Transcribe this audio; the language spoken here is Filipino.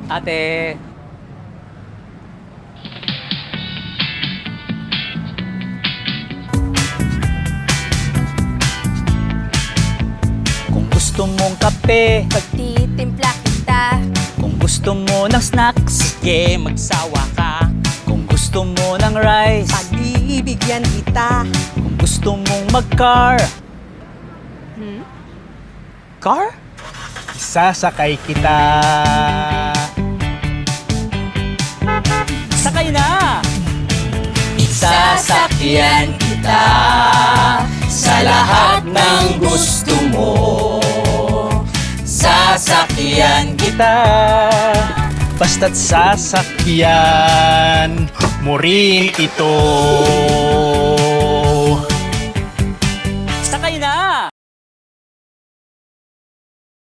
Ate. Kung gusto mong kape, Pagtitimpla kita, kung gusto mo ng snacks, Sige, magsawa ka. kung gusto mo ng rice, pagbibigyan kita. kung gusto mong mag-car. Car? Sasakay kita. Sakay na! Sasakyan kita sa lahat ng gusto mo. Sasakyan Kita, basta't sasakyan mo rin ito.